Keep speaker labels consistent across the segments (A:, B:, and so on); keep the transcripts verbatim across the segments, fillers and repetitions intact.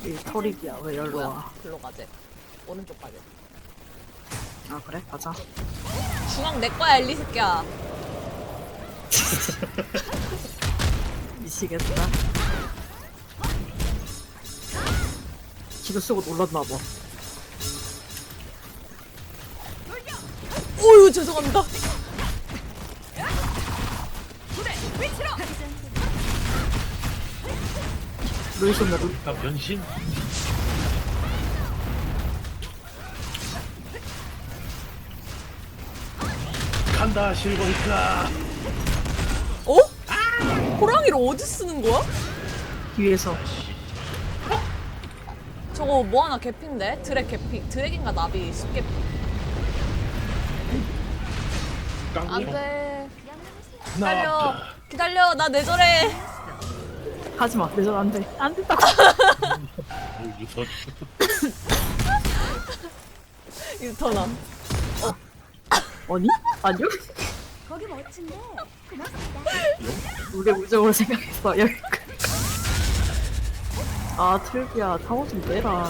A: 이 털이야. 왜 열로
B: 뭐야?
A: 와?
B: 글로 가재. 오른쪽 가재.
A: 아 그래? 가자.
B: 중앙 내 거야 엘리 새끼야.
A: 미치겠다. 지도 쓰고 놀랐나봐.
B: 오유 죄송합니다.
A: 루이스나 루.
C: 나 변신? 간다 실버히트라.
B: 어? 호랑이를 어디 쓰는 거야?
A: 뒤에서.
B: 저거 뭐 하나 개피인데? 드랙 개피. 드랙인가 나비 숲개피.
C: 깡총
B: 안돼. 기다려.
C: 나왔다.
B: 기다려. 나 뇌절해.
A: 하지마. 내전 안 돼. 안 된다고.
C: 오 유선.
B: 유턴함.
A: 아니? 아니요?
D: 거기 멋진데 고맙습니다.
A: 우리 우정을 생각했어. 여기. 아 틀비야. 타워 좀 내라.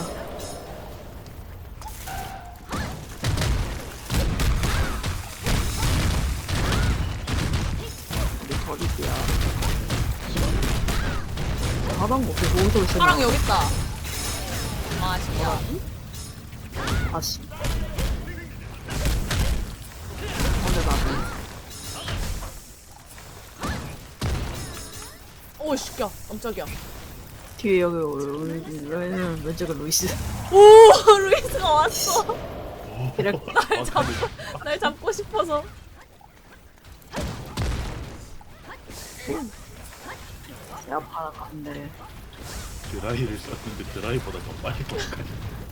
A: 우리 버리기야. 가방 뭐 계속 오고 있어.
B: 사랑 여기 있다. 아 진짜.
A: 아씨. 근데 나도.
B: 오 시켜. 깜짝이야.
A: 뒤에 여기 왼 왼쪽은 루이스.
B: 오 루이스가 왔어.
A: 이렇게
B: 날 잡고 날 잡고 싶어서.
A: 야 파라 갔네.
C: 드라이를 썼는데 드라이보다 더 빨리 돌아가네.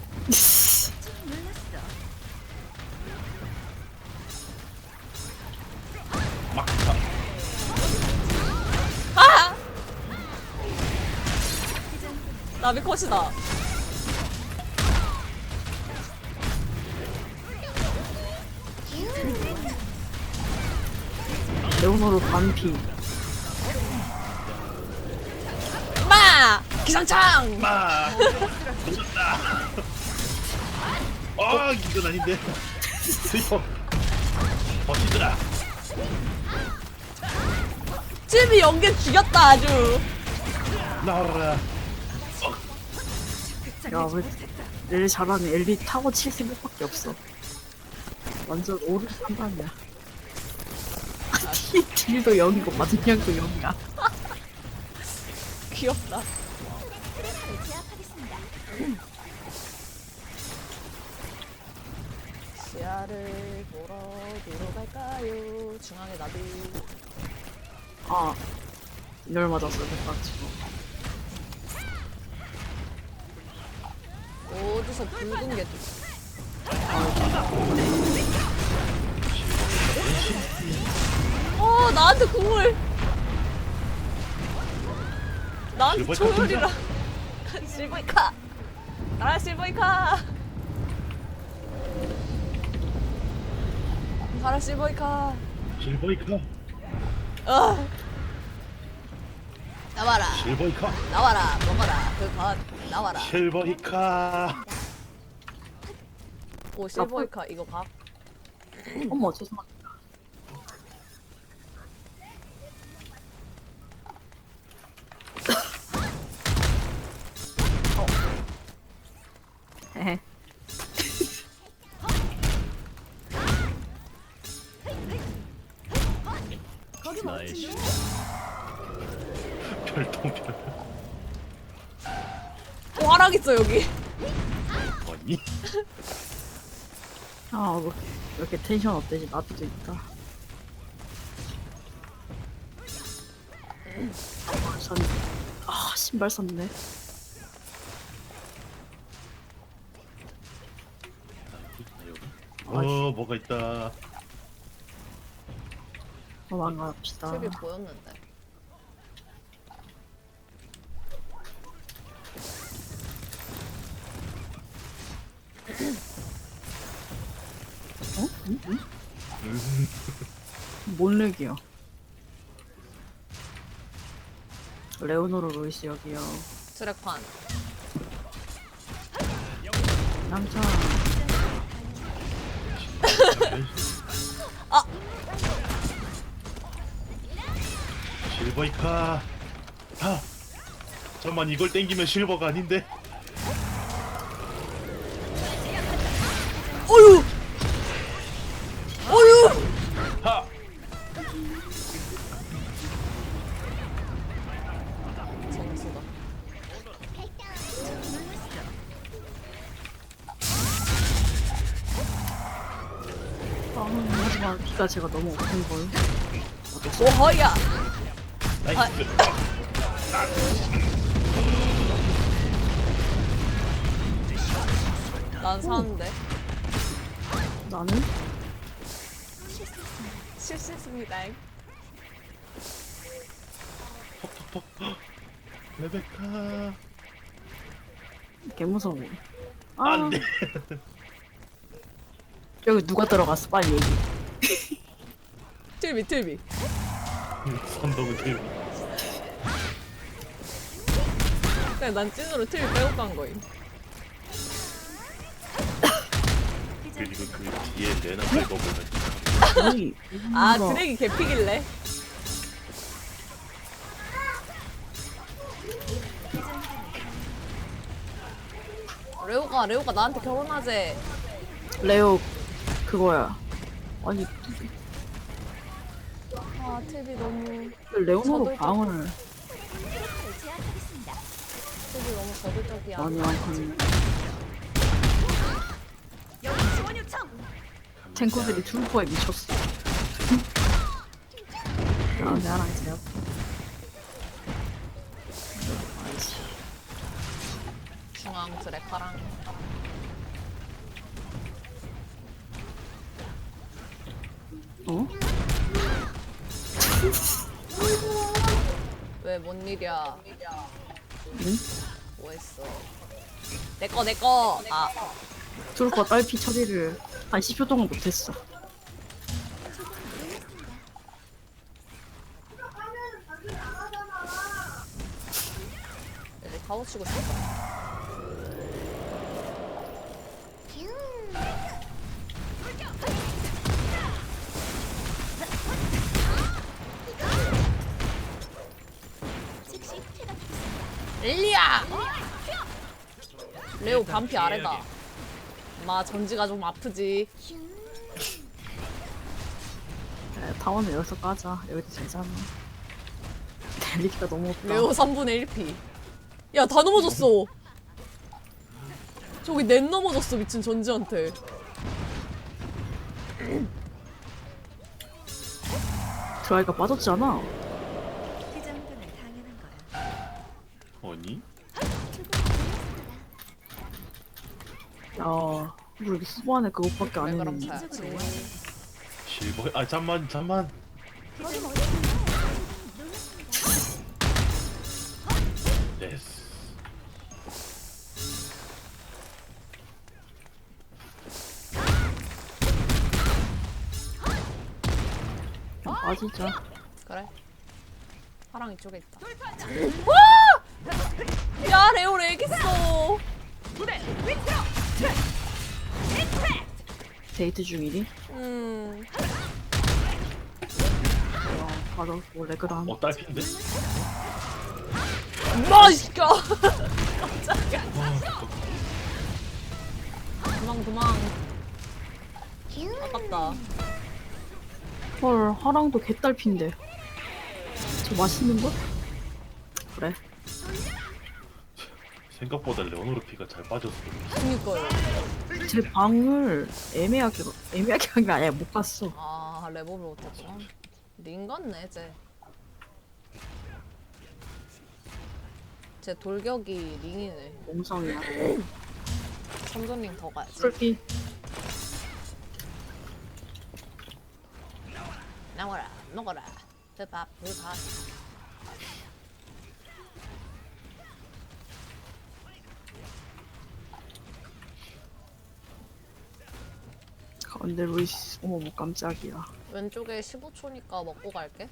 C: 막타.
B: 아! 나비 컷이다.
A: 레오노로 반피.
B: 마! 기상창!
C: 마. 놓쳤다. 아 이건 아닌데. 슬퍼. 버티더라.
B: 찜이 연계 죽였다 아주.
C: 나와라.
A: 야왜 엘 잘하네. 엘리 타고 칠 생각밖에 없어. 완전 오른 판단이야. 딜- 딜도 영이고 마등량도 영이야.
B: 귀엽다.
D: 제압하겠습니다.
B: 시야를 보러 뒤로 갈까요? 중앙에 나비.
A: 아 열 맞았어. 그래가지고.
B: 어디서 붉은 게 어 나한테 국물. 나한테
C: 실버이카
B: 초월이라. 실버이카. 나라 실버이카. 가라 실버이카.
C: 실버히카.
B: 어. 나와라.
C: 실버히카.
B: 나와라. 먹어라. 그것 나와라.
C: 실버히카.
B: 오 실버이카 이거 각.
A: 어머 죄송합니다. 어. 헤헤.
D: 거기 멋진데
C: 별똥별.
B: 오 화락 있어 여기.
C: 아니?
A: 아 뭐, 이렇게 텐션 업되지 나도 있다. 아, 산, 아 신발 샀네.
C: 어 뭐가 있다.
A: 도망갑시다.
B: 탭이 보였는데.
A: 어? 응? 응? 뭔 렉이야? 레오노로 루이스 여기요.
B: 트랙판.
A: 남자.
B: 아!
C: 실버이카. 아! 잠깐만 이걸 땡기면 실버가 아닌데?
B: 어휴! 어휴!
C: 하!
B: 재밌다.
A: 아, 하지만 피가 제가 너무 없는 걸.
B: 오허야!
C: 나이스.
B: 난 사는데.
A: 나는
B: 실수했습니다.
C: 톡톡톡. 레베카.
A: 개 무서워. 아,
C: 안돼.
A: 여기 누가 들어갔어? 빨리 얘기.
B: 틀비 틀비.
C: 선동은 틀.
B: 그냥 난 찐으로 틀비 빼고 간 거임.
C: 그리고 그 뒤에 레나 빼고 보면
A: 여기.
B: 아
A: 누가-
B: 드랙이 개피길래. 레오가 레오가 나한테 결혼하재.
A: 레오 그거야. 아니
B: 아 틀비 너무
A: 레오나로
B: 저도
A: 방을
D: 제압하겠습니다.
B: 틀비 너무 거들적이야.
A: 많이 안 하는
D: 여기 지원 요청.
A: 탱커들이 트루퍼에 미쳤어. 아, 나랑 제압. 아이씨.
B: 중앙 드래카랑.
A: 어?
B: 왜 뭔 일이야?
A: 응?
B: 뭐했어? 내꺼 내꺼. 아
A: 트루퍼 딸피 처리를 한 십 초 동안 못했어.
B: 이제 가오 치고 싶다.
D: 즉시 퇴각하겠습니다.
B: 릴리야! 레오 반피 아래다. 마 전지가 좀 아프지.
A: 야, 타원은 여기서 까자. 여기도 되잖아. 델리티가 너무 없다.
B: 레오 삼분의 일 피. 야 다 넘어졌어. 저기 넷 넘어졌어 미친 전지한테.
A: 드라이가 빠졌잖아.
D: 그 정도는 당연한 거야.
C: 아니?
A: 야, 우리 수반에 그것밖에 안
B: 왜 그럼
A: 했는데.
B: 사야지.
C: 실버. 아 잠만 잠만.
D: 거기 멋진데.
C: 됐어.
A: 그냥 빠지자.
B: 그래. 파랑 이쪽에 있다. 와! 야 레오 렉 있어.
A: 데이트 중이니?
B: 음.
A: 어, 바로 뭐 레그람.
C: 어 딸핀데?
B: 맛있까. 깜짝이야. 도망 도망. 아깝다.
A: 헐, 하랑도 개딸핀데. 저 맛있는 거? 그래.
C: 생각보다 레오노르 피가 잘 빠졌어.
B: 그니까요.
A: 제 방을 애매하게 애매하게 한 게 아니야. 못 갔어.
B: 아 레버를 못했구나. 링 같네 쟤. 쟤 돌격이 링이네.
A: 몽성이야.
B: 삼전 링 더 가야지.
A: 풀피.
B: 나와라 먹어라. 배밥 배밥.
A: 가운데 루이스. 어머, 뭐 깜짝이야.
B: 왼쪽에 십오 초니까 먹고 갈게.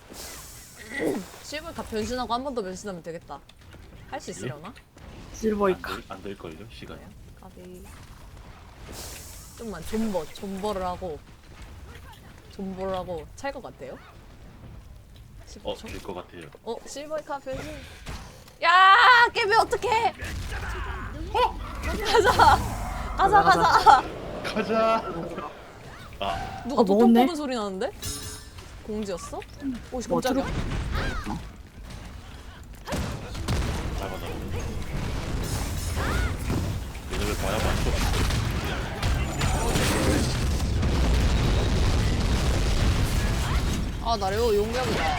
B: 십을 가 변신하고 한 번 더 변신하면 되겠다. 할 수 있으려나?
A: 실버이카.
C: 안될 걸요 시간이.
B: 아비. 좀만 존버, 존버를 하고 존버를 하고 찰 것 같아요?
C: 어,
B: 십오 초?
C: 될 것 같아요.
B: 어, 실버카 변신. 야, 깨비 어떡해? 가자, 가자, 가자.
C: 가자. 아,
B: 누가
A: 어,
B: 도통
A: 먹었네?
B: 뽑은 소리 나는데? 공지였어? 오, 씨,
A: 뭐,
B: 깜짝이야.
C: 잡아다. 얘네를 봐야 맞죠?
B: 아, 나 레오 용병이다.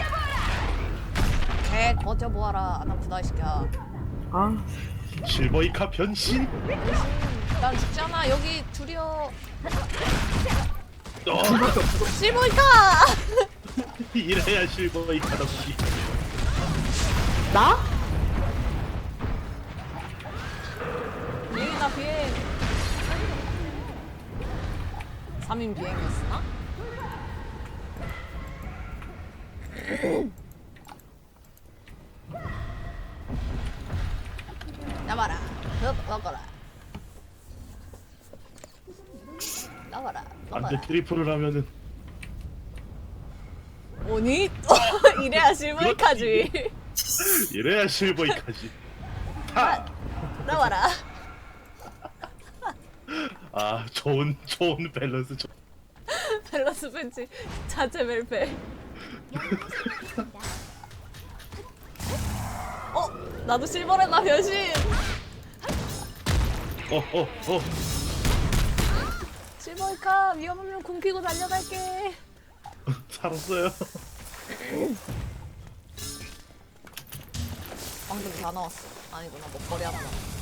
B: 개 거저 보아라. 안 아프다, 이 새끼야.
A: 아,
C: 실버이카 변신.
B: 난 죽잖아. 여기 둘이여.
C: 어,
B: 실버이카!
C: 이래야 실버이카답지.
A: 나?
B: 비행이다, 비행. 삼 인 비행이었으나? 나와라. 나와라. 나와라.
C: 안돼
B: 나와라.
C: 트리플을 하면은
B: 오니? 이래야 실버이카지.
C: 이래야 실버이카지. 타.
B: 나와라.
C: 아 좋은 좋은 밸런스. 좋-
B: 밸런스 벤치 자체 멜페. 어? 나도 실버레나 변신.
C: 어어 어.
B: 실버이카 위험하면 굶기고 달려갈게.
C: 살았어요.
B: 방금 다 나왔어. 아니구나, 먹거리 하나 남았어.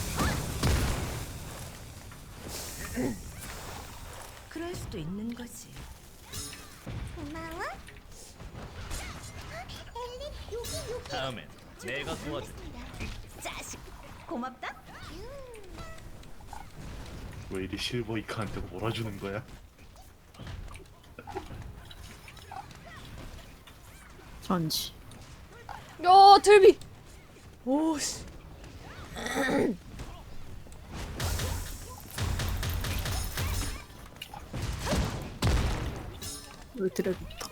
D: 그럴 수도 있는 거지. 고마워. 엘리 여기 여기.
E: 다음엔 내가 도와줄.
D: 자식 고맙다.
C: 왜 이리 실버이카한테 몰아주는 거야?
A: 전지.
B: 야, 틀비. 오씨.
A: 왜 드래그부터?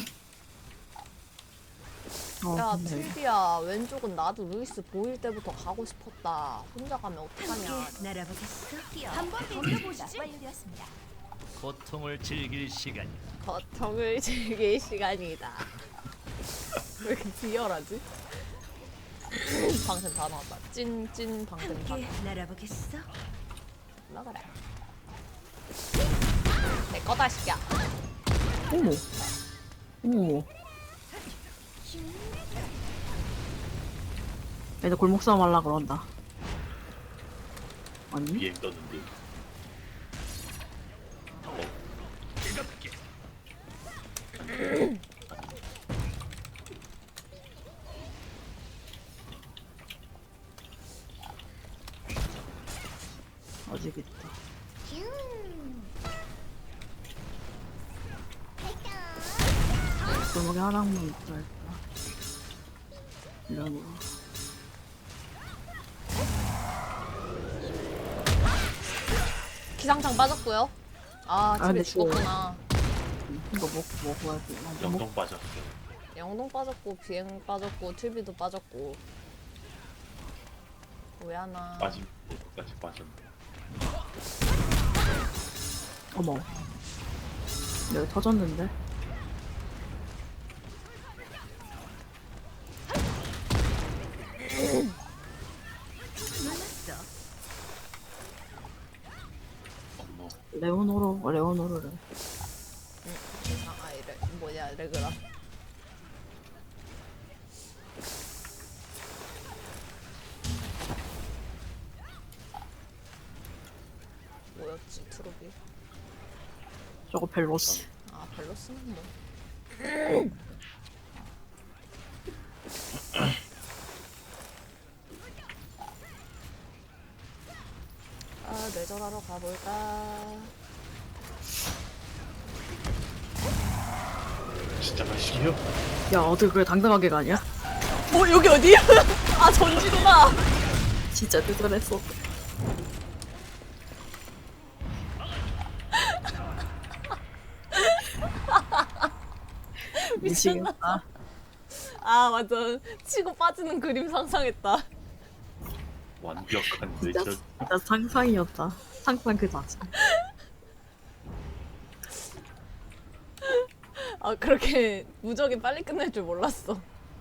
A: 어,
B: 야,
A: 근데
B: 틀비야. 왼쪽은 나도 루이스 보일 때부터 가고 싶었다. 혼자 가면 어떡하냐.
D: 함께 날아보겠어. 한번 돌려보시지. 완료되었습니다.
E: 고통을 즐길 시간.
B: 고통을 즐길 시간이다. 왜 이렇게 비열하지? 방금 다 나왔다. 찐, 찐 방금 다
D: 함께 날아보겠어.
B: 나가라. 내 거다, 시끼야.
A: 어머. 어머. 애들 골목 싸움 하려 그런다. 아니?
C: 비행 떴는데. 어,
E: 뜨겁게.
A: 어지겠다. 골목에 하나만 있다 했다. 이런 거.
B: 기상창 빠졌고요. 아, 집에
A: 근데
B: 죽었구나.
A: 이거 먹고 먹어야 돼. 나 먹-
C: 영동 빠졌어.
B: 영동 빠졌고, 비행 빠졌고, 틸비도 빠졌고. 왜 하나.
C: 빠짐 끝까지 빠졌네.
A: 어머. 여기 터졌는데?
D: 놀랐어.
C: 어머.
A: 레오노로, 레오노로래.
B: 아, 아, 이래. 뭐냐, 레그라. 뭐였지, 트로비?
A: 저거 벨로스.
B: 아, 벨로스는 뭐. 아, 뇌절하러 가볼까?
C: 진짜 가시게요?
A: 야, 어떻게 그래 당당하게 가냐?
B: 어, 여기 어디야? 아, 전지구나!
A: 진짜 뜨뜻했어. 미치겠다.
B: 아 맞아. 치고 빠지는 그림 상상했다.
C: 완벽한
A: 진짜,
C: 내절.
A: 진짜 상상이었다. 상상 그 자체.
B: 아 그렇게 무적이 빨리 끝날 줄 몰랐어.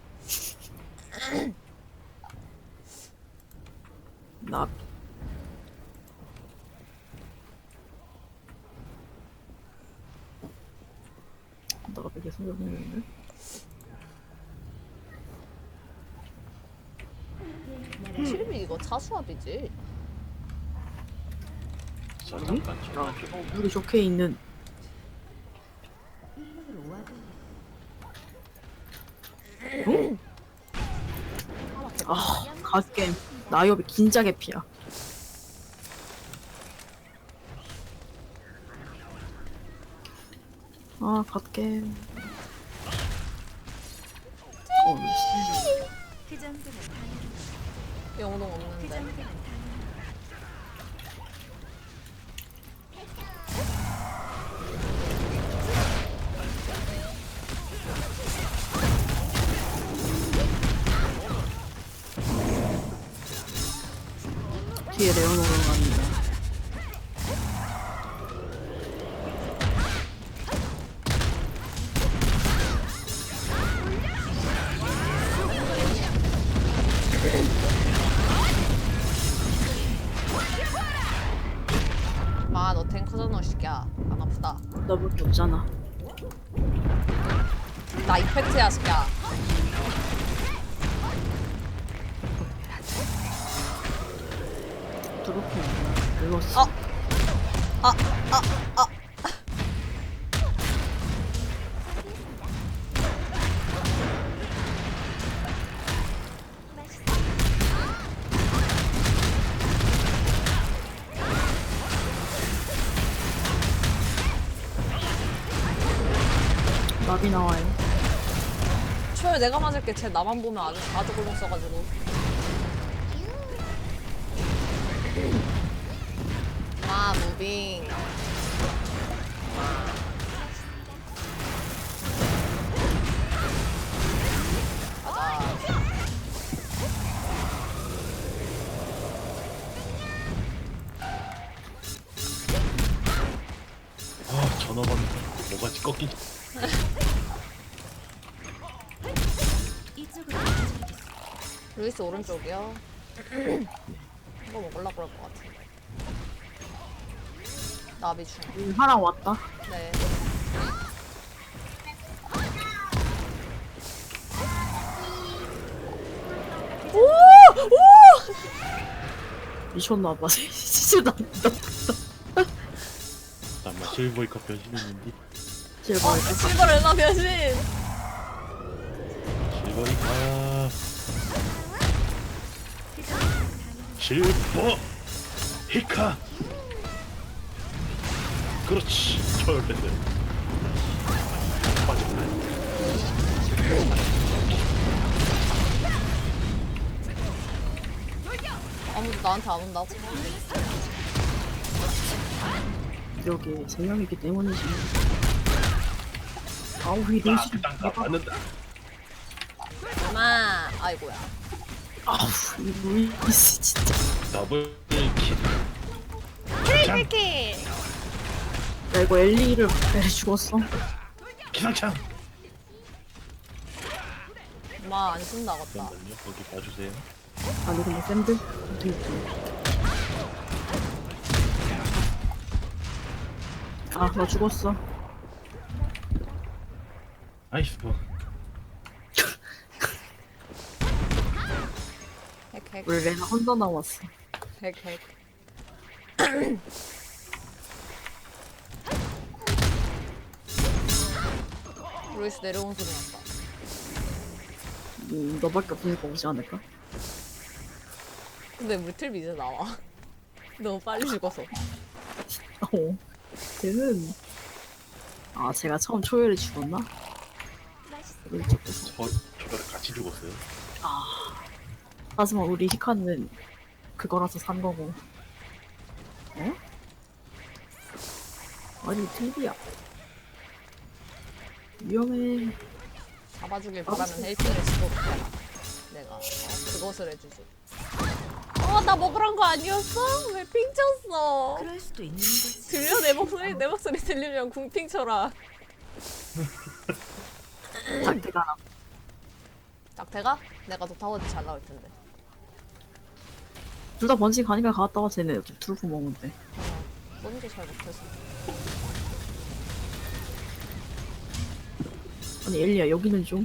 A: 나 너가 되게 소용있는데?
B: 칠비 이거 차수압이지.
C: 자 잠깐
A: 야,
C: 전화 좀.
A: 어, 우리 좋게 있는 어? 아, 갓겜 나이업이 긴장의 피야. 아, 갓겜. 어, 씨.
D: 그 정도는 당연.
B: 영동
D: 그
B: 없는데.
D: 정도는 당연.
A: 뒤에 레오노로 갔는데.
B: 마, 너 탱커잖아, 이 새끼야. 안 아프다.
A: 너밖에 없잖아.
B: 나 이펙트야, 새끼야.
A: 드롭이 없나? 늙었어.
B: 어. 아, 아, 아.
A: 나비 나와요.
B: 초에 내가 맞을게. 쟤 나만 보면 아주 자주 골목 써가지고. 마, 무빙. 가자.
C: 아 전화 받는 뭐가지 꺾이지.
D: 이쪽으로 움직이겠어.
B: 루이스 오른쪽이요. 이거 먹으려고 그럴 것 같은데. 나비 중.
A: 음, 하랑 왔다.
B: 네. 오! 오!
A: 미쳤나봐. 진짜 나, 나,
C: 잠깐만 실버이카 변신했는데.
A: 실버.
B: 어, 실버 레나 변신!
C: 실버이카. 실버 히카. 그렇지. 철레드. 빠졌네.
B: 아무도 나한테 안 온다고?
A: 여기 세 명이기 때문이지. 아우, 이 루시.
C: 나 땅가 맞는다.
B: 엄마! 아이고야.
A: 아우, 이 루이스 진짜.
C: 더블 킬.
B: 킬킬!
A: 야, 이거 엘리를 내 죽었어.
C: 기상창.
B: 엄마 안 쓴다겠다.
C: 잠깐만요. 거기 봐주세요.
A: 아니, 근데 샌들? 어떻게 있지? 아, 나 죽었어.
C: 아이스.
B: 핵핵
A: 우리 레나 혼자 남았어.
B: 핵핵. 루이스 내려온 소리 났다.
A: 음, 너밖에 없으니까 오지 않을까?
B: 근데 물틀비 이제 나와. 너무 빨리 죽어서.
A: 어. 걔는 아, 제가 처음 초열에 죽었나? 왼쪽에서.
C: 저 저랑 같이 죽었어요.
A: 하지만 우리 히카는 그거라서 산 거고. 어? 아니, 틀비야. 위험해.
B: 잡아주길 바라는 헬스를 시도록 해라. 내가 어, 그것을 해주지. 어, 나 먹으란 거 아니었어? 왜 핑 쳤어?
D: 그럴 수도 있는 거지.
B: 들려 내 목소리 내 목소리 들리면 궁핑 쳐라.
A: 상태가
B: 짝태가? 내가 더 타워지 잘 나올 텐데.
A: 둘 다 번지 가니까 갔다 와. 쟤네 이렇게 둘고 먹는데.
B: 어, 뭔지 잘 못해서.
A: 아니 엘리야 여기는 좀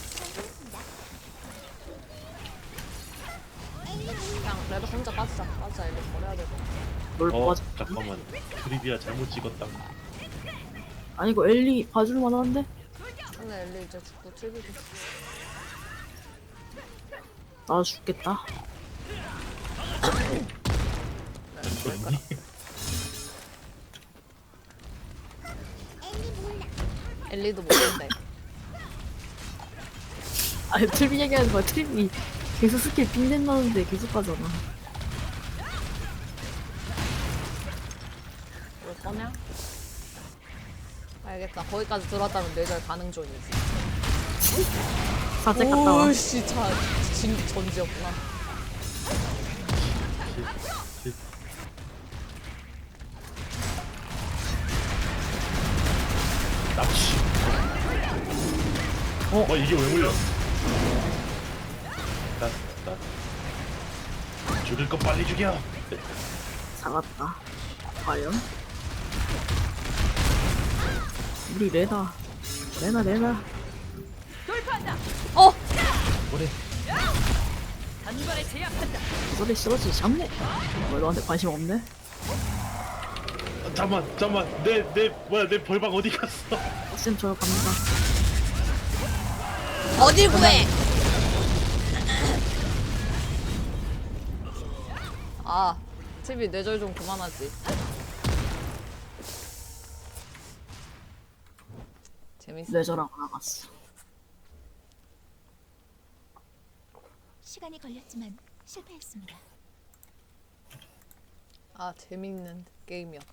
B: 그냥 레벨 혼자 빠지자. 빠지자. 이거 버려야 되고.
A: 뭘
C: 어
A: 봐줘.
C: 잠깐만 트리비아 잘못 찍었다.
A: 아니 이거 엘리 봐줄 만한데?
B: 근데 엘리 이제 죽고 칠비도.
A: 나 죽겠다.
C: 그랬니?
B: 엘리도 모른대.
A: 아니 트립 얘기하는 거야. 트립이 계속 스킬 빙된 나는데 계속 가잖아.
B: 올 거냐? 알겠다. 거기까지 들어왔다면 뇌절 가능 존이지.
A: 사제 갔다 와.
B: 오씨, 자, 진 전지였구나.
C: 납치. 어? 뭐 이게 왜 물려? 나, 나 죽일 거 빨리 죽여.
A: 잡았다. 과연? 우리 레나. 레나 레나.
B: 어!
C: 뭐래?
A: 소리 싫어지 잡네. 뭐 너한테 관심 없네?
C: 아, 잠만, 잠만. 내, 내 뭐야? 내 벌방 어디 갔어?
A: 쌤 저 갑니다.
B: 어딜 구해! 아, 티비 뇌절 좀 그만하지. 재밌어.
A: 레저라고 나갔어.
D: 시간이 걸렸지만 실패했습니다.
B: 아, 재밌는 게임이었다.